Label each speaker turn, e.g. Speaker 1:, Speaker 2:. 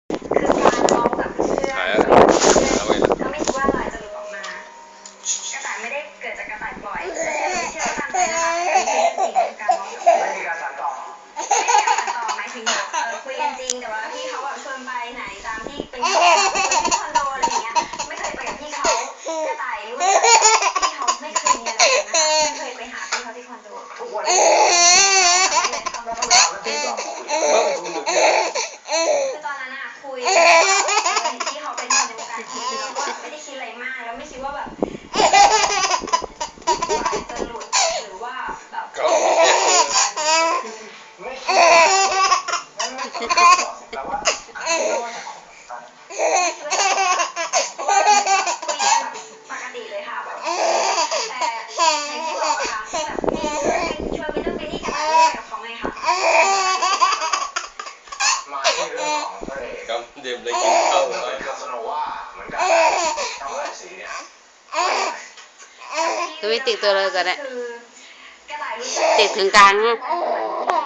Speaker 1: คือการเมาส์กับเพื่อนก็ไม่คิดว่าลายจะหลุดออกมากระต่ายไม่ได้เกิดจากกระต่ายปล่อยเชื่อตามใจนะคะเป็นเรื่องจริงการเมาส์กับเพื่อน
Speaker 2: ไม่มีการสานต่อ
Speaker 1: ไม่มีการตัดต่อหมายถึงแบบคุยกันจริงแต่ว่าพี่เขาแบบชวนไปไหนตามที่เป็นที่คอนโดอะไรอย่างเงี้ยไม่เคยไปกับพี่เขากระต่ายรู้จักพี่เขาไม่เคยมีอะไรกันนะคะไม่เคยไปหาพี่เขาที่คอนโด
Speaker 2: ทุกวันนี้เราต้องถามแล้วพี่ตอบ
Speaker 1: คือตอนนั้นอะคุยเห็นพี่เขาเป็นคนในวงการทีวีแล้วก็ไม่ได้คิดอะไรมากแล้วไม่คิดว่าแบบจะหลุดหรือว่าแบบ
Speaker 2: ไม่คิดแต่ว่า
Speaker 1: ปกติเลยค่ะแบบแต่อย่างที่บอกค่ะแบบชวนไปนู่นไปนี่กันอะไรกับเขาไงค่ะ
Speaker 2: มาที่เรื่องของพระเอก
Speaker 3: ครับดื่มเลยกินข้าว
Speaker 2: เลยคาสโนวาเหมือนกับช่องหลายสีเนี่ย
Speaker 4: คือไม่ติดตัวเลยก็ได้
Speaker 1: กระต่ายรู้สึก
Speaker 4: ติดถึงกลาง
Speaker 1: ที่